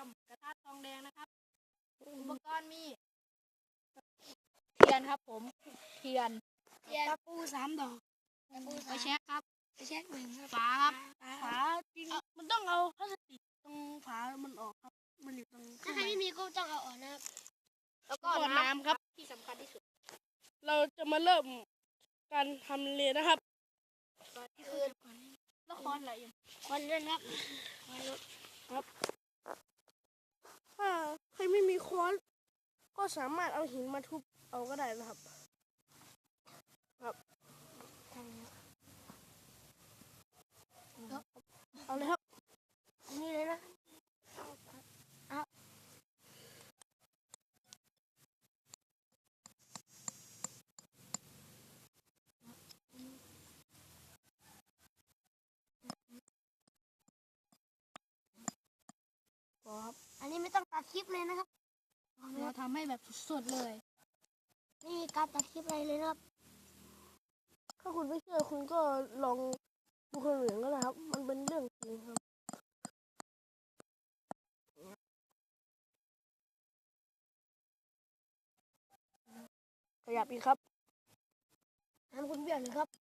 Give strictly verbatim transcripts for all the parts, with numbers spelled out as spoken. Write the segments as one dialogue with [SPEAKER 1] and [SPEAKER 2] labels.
[SPEAKER 1] ำกระทะทองแดงนะครับอุปกรณ์มีเทียนครับผมเทียนตะปูสามดอกไฟแช็กครับไฟแช็กหนึ่งฝาครับฝาจริงมันต้องเอาพลาสติกตรงฝามันออกครับมันอยู่ตรงถ้าใครไม่มีก็ต้องเอาออกนะครับแล้วก็น้ำครับที่สำคัญที่สุดเราจะมาเริ่มการทำเลยนะครับที่คือแล้วค้อนอะไรอย่างค้อนเล่นครับค้อนรถครับถ้าใครไม่มีค้อนก็สามารถเอาหินมาทุบเอาก็ได้นะครับครับเอาเลยครับนี่เลยนะเอาครับอันนี้ไม่ต้องตัดคลิปเลยนะครับเราทำให้แบบสดๆเลยนี่การตัดคลิปอะไรเลยนะครับถ้าคุณไม่เชื่อคุณก็ลองดูคนอื่นก็ได้ครับมันเป็นเรื่องจริงครับขยับอีกครับทำคุณเบี่ยงเลยครับ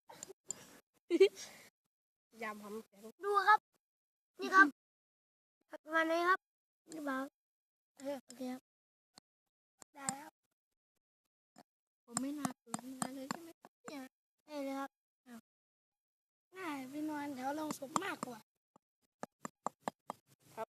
[SPEAKER 1] ยำทำดูครับนี่ครับประมาณนี้ครับนี่บ้างโอเคโอเคครับได้แล้วผมไม่น่าตื่นมาเลยใช่ไหมเนี่ยได้เลยครับน่าไปนอนแถวลงศพมากกว่าครับ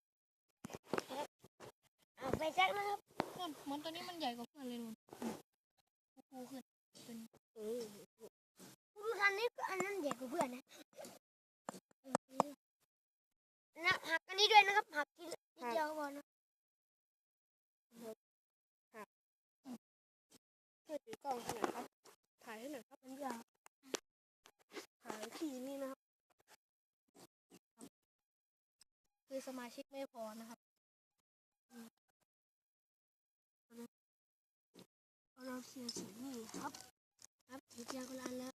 [SPEAKER 1] เอาไปแจ็คนะครับมันตัวนี้มันใหญ่กว่าเพื่อนเลยนุ่นกูขึ้นเป็นเออดูทันนี้อันนั้นใหญ่กว่าเพื่อนนะนะหักอันนี้ด้วยนะครับหักทีเดียวก่อนนะหักช่วยถือกล้องให้หน่อยครับถ่ายให้หน่อยครับมันยาวถ่ายที่นี่นะครับคือสมาชิกไม่พอนะครับเราเสียสีนี่ครับครับถือเทียนคนละอันแล้ว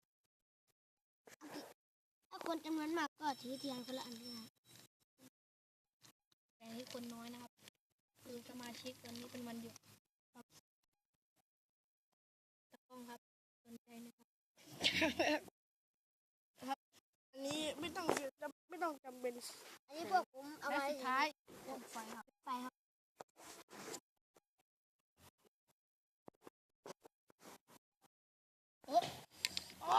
[SPEAKER 1] ถ้าคนจำนวนมากก็ถือเทียนคนละอันได้แต่ให้คนน้อยนะครับคือสมาชิกวันนี้เป็นวันหยุดครับตะกล้องครับสนใจนะครับครับอันนี้ไม่ต้องจำไม่ต้องจำเป็นอันนี้พวกผมเอาไว้สุดท้ายพวกไฟครับไฟครับโอ้โอ้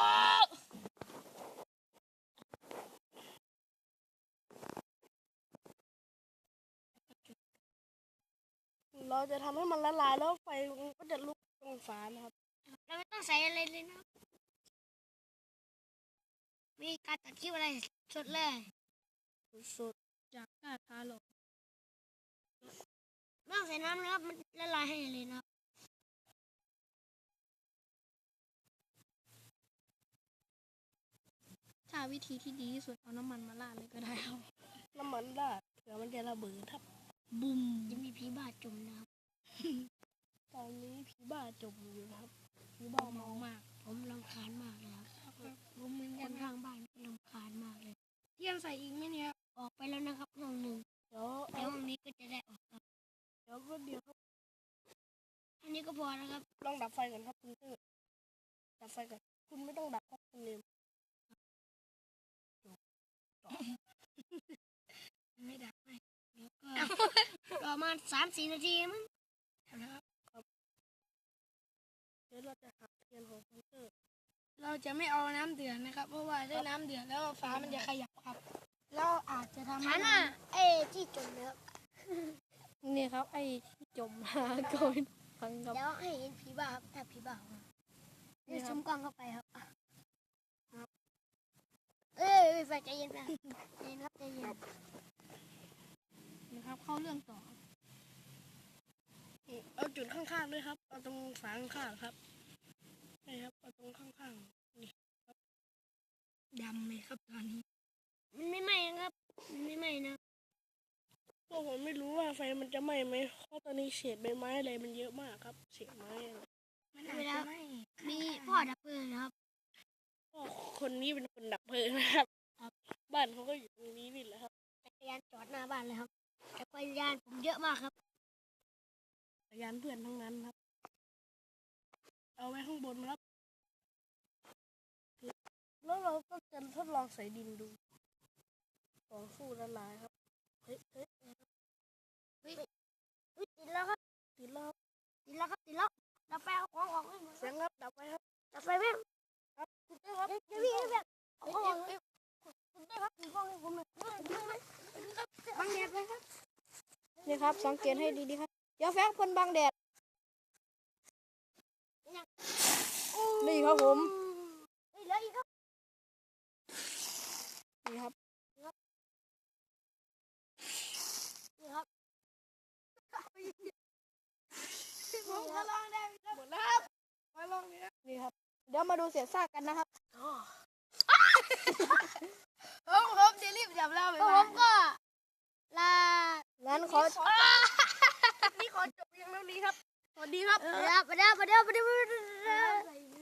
[SPEAKER 1] เราจะทำให้มันละลายแล้วไฟก็จะลุกตรงฝานะครับเราไม่ต้องใส่อะไรเลยนะมีการตัดคลิปอะไรสดเลยสดจากกาทาหลงไม่ต้องใส่น้ำนะครับมันละลายให้เลยนะครับถ้าวิธีที่ดีที่สุดเอาน้ำมันมาราดเลยก็ได้ครับน้ำมันราดเผื่อมันจะระเบิดครับบุ้มจะมีผีบ้าจมนะครับตอนนี้ผีบ้าจมอยู่นะครับผีบ้าเมามากผมรำคาญมากเลยครับผมเหมือนกันทางบ้านรำคาญมากเลยเที่ยงใส่อีกไหมเนี่ยออกไปแล้วนะครับห้องหนึ่งเดี๋ยวห้องนี้ก็จะได้ออกครับเดี๋ยวก็เดี๋ยวครับอันนี้ก็พอนะครับลองดับไฟก่อนครับคุณเตอร์ดับไฟก่อนคุณไม่ต้องดับครับคุณเนมไม่ดับไปแล้วก็ประมาณสามสี่นาทีมั้งนะครับเดี๋ยวเราจะหักเทียนของคุณเตอร์เราจะไม่เอาน้ำเดือดนะครับเพราะว่าถ้าน้ำเดือดแล้วฟ้ามันจะขยับครับแล้วอาจจะทำให้ไอ้ที่จมนะครับนี่ครับไอ้ที่จมมาก่อนฟังครับแล้วให้เห็นผีบ้าครับถ้าผีบ้านี่ซูมกล้องเข้าไปครับครับเอ้ยไฟใจเย็นนะใจเย็นครับใจเย็นนะครับเข้าเรื่องต่อเอาจุดข้างๆด้วยครับเอาตรงฝาข้างๆครับนี่ครับเอาตรงข้างๆนี่ครับดำเลยครับตอนนี้มันไม่ไหม้ครับมันไม่ไหม้นะพวกผมไม่รู้ว่าไฟมันจะไหม้ไหมเพราะตอนนี้เศษใบไม้อะไรมันเยอะมากครับเศษไม้มันอาจจะไหม้มีพ่อดับเพลิงนะครับพ่อคนนี้เป็นคนดับเพลิงนะครับบ้านเขาก็อยู่ตรงนี้นี่แหละครับจักรยานจอดหน้าบ้านเลยครับแล้วก็
[SPEAKER 2] ยานผมเยอะมากครับ
[SPEAKER 1] จักรยานเพื่อนทั้งนั้นครับ เอาไว้ข้างบนครับ แล้วเราก็จะทดลองใส่ดินดูของสู้ละลายครับ เฮ้ยเฮ้ย
[SPEAKER 2] อุ๊ยติดแล้วครับ
[SPEAKER 1] ติดแล้ว
[SPEAKER 2] ติดแล้วครับติดแล้วดับไฟเอาของออกให้หมด
[SPEAKER 1] เสียงครับดับไว้ครับ
[SPEAKER 2] ดับไฟแม่ง
[SPEAKER 1] ครับคุณเต้ครับ
[SPEAKER 2] เดี๋ยวเดี๋ยวพี่แบบเอา
[SPEAKER 1] เอ้ย
[SPEAKER 2] ของอ
[SPEAKER 1] เอ้
[SPEAKER 2] อย ก
[SPEAKER 1] เอ้ยคุณเต้ครับคุณกล้องให้ผมหน่อย
[SPEAKER 2] บังแดดเลยครับ
[SPEAKER 1] นี่ครับสังเกตให้ดีๆครับอย่าแฟกเพิ่นบังแดดนี่ครับผม
[SPEAKER 2] เฮ้ยเหลืออีกครับ
[SPEAKER 1] นี่ครับ
[SPEAKER 2] นี่ครับ
[SPEAKER 1] ผมก็ลองได้ครับหมดแล้วครับมาลองนี่นะนี่ครับเดี๋ยวมาดูเศษซากกันนะครับผมผมจะรีบจับแล้ว
[SPEAKER 2] ก็ผมก็ลา
[SPEAKER 1] งั้นขอนี่ขอจบเพียงเท่านี้ครับสวัสดีครับ
[SPEAKER 2] เดี๋ยวเดี๋ยวเดี๋ยวเดี๋ยวเดี๋ยว